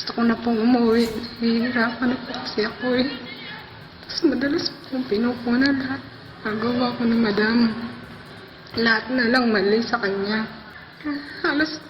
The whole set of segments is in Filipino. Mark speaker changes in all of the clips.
Speaker 1: Gusto ko na pong umuwi. Nahihirapan na po kasi ako eh. Tapos madalas pong pinupuna lahat. Nagawa ko na madam. Lahat na lang mali sa kanya. Halos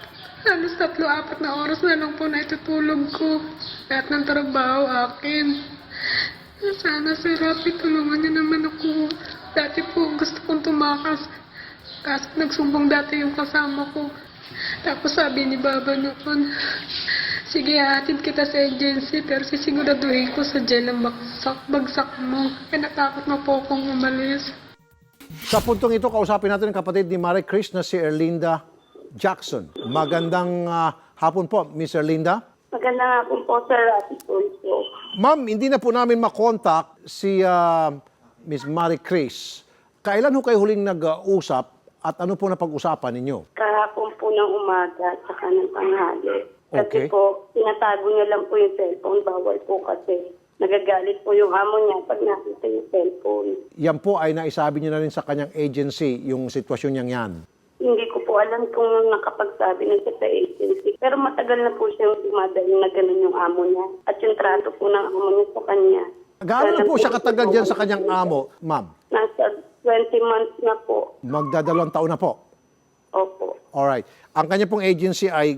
Speaker 1: 3-4 na oras na lang po na itutulog ko. Lahat ng trabaho akin. Sana Sir Rafi, tulungan niyo naman ako. Dati po gusto kong tumakas. Kaso nagsumbong dati yung kasama ko. Tapos sabi ni Baba noon, sige, hatid kita sa agency, pero sisiguraduhin ko sa jail ang bagsak mo. Kaya natakot na po akong umalis.
Speaker 2: Sa puntong ito, kausapin natin ang kapatid ni Marie Chris na si Erlinda Jackson. Magandang hapon po, Miss Erlinda.
Speaker 3: Magandang hapon po, Sir Rafi Tulfo.
Speaker 2: Ma'am, hindi na po namin makontak si Miss Marie Chris. Kailan ho kayo huling nag-usap at ano po napag-usapan ninyo?
Speaker 3: Kahapon po ng umaga at saka ng tanghali.
Speaker 2: Okay.
Speaker 3: Kasi po, tinatago niya lang po yung cellphone. Bawal po kasi nagagalit po yung amo niya pag nakita yung cellphone.
Speaker 2: Yan po ay naisabi niyo na rin sa kanyang agency, yung sitwasyon niyang yan.
Speaker 3: Hindi ko po alam kung nakapagsabi na siya sa agency. Pero matagal na po siyang dumadaling na gano'n yung amo niya. At yung trato po ng amo niya sa kanya.
Speaker 2: Gaano na po siya katagal dyan sa kanyang amo, ma'am?
Speaker 3: Nasa 20 months na po.
Speaker 2: Magdadalawang taon na po.
Speaker 3: Opo.
Speaker 2: Alright. Ang kanya pong agency ay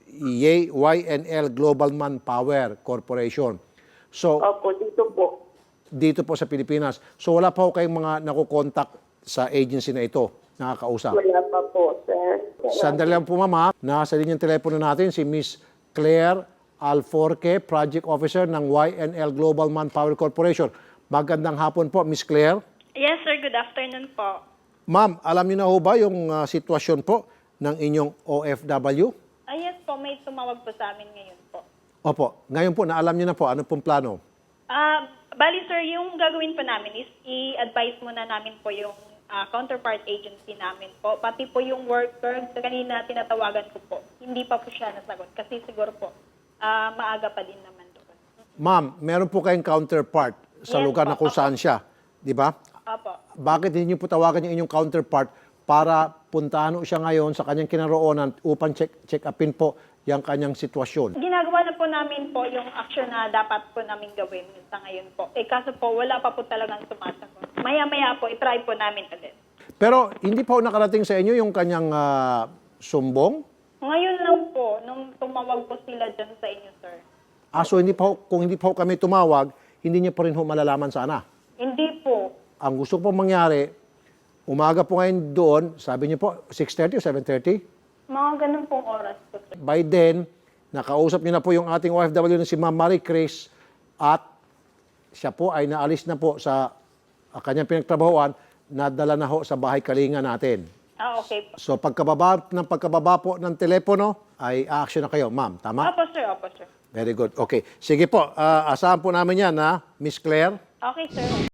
Speaker 2: YNL Global Manpower Corporation. So,
Speaker 3: Opo,
Speaker 2: dito po sa Pilipinas. So, wala pa ho kayong mga nakukontak sa agency na ito, nakakausap.
Speaker 3: Wala pa po, sir.
Speaker 2: Sandali lang po, mama. Nasa linyang telepono natin si Miss Claire Alforque, Project Officer ng YNL Global Manpower Corporation. Magandang hapon po, Miss Claire.
Speaker 4: Yes, sir. Good afternoon po.
Speaker 2: Ma'am, alam niyo na ho ba yung sitwasyon po ng inyong OFW?
Speaker 4: Yes po, may tumawag po sa amin ngayon po.
Speaker 2: Opo. Ngayon po, naalam niyo na po. Ano pong plano?
Speaker 4: Bali, sir, yung gagawin po namin is i-advise muna namin po yung counterpart agency namin po. Pati po yung worker, kanina tinatawagan ko po. Hindi pa po siya nasagot kasi siguro po maaga pa din naman doon.
Speaker 2: Ma'am, meron po kayong counterpart sa
Speaker 4: Yes
Speaker 2: lugar
Speaker 4: po,
Speaker 2: na kung saan siya. Di ba?
Speaker 4: Opo.
Speaker 2: Bakit hindi niyo po tawagan yung inyong counterpart para puntahan siya ngayon sa kanyang kinaroonan upang check upin po yung kanyang sitwasyon?
Speaker 4: Ginagawa na po namin po yung action na dapat po namin gawin sa ngayon po. Kaso po, wala pa po talagang sumasagot. Maya-maya po, itry po namin ulit.
Speaker 2: Pero hindi po nakarating sa inyo yung kanyang sumbong?
Speaker 4: Ngayon lang po, nung tumawag po sila dyan sa inyo, sir.
Speaker 2: So kung hindi po kami tumawag, hindi niyo pa rin ho malalaman sana?
Speaker 4: Hindi po.
Speaker 2: Ang gusto ko pong mangyari, umaga po ngayon doon, sabi niyo po, 6:30 o 7:30?
Speaker 4: Mga ganun pong oras po, sir.
Speaker 2: By then, nakausap niyo na po yung ating OFW na si Ma'am Marie Chris at siya po ay naalis na po sa kanyang pinagtrabahoan, nadala na ho sa bahay kalinga natin.
Speaker 4: Okay po.
Speaker 2: So pagkababa po ng telepono, ay action na kayo, ma'am. Tama?
Speaker 4: Opo, sir. Opo, sir.
Speaker 2: Very good. Okay. Sige po, asahan po namin yan, ha, Miss Claire.
Speaker 4: Okay, sir.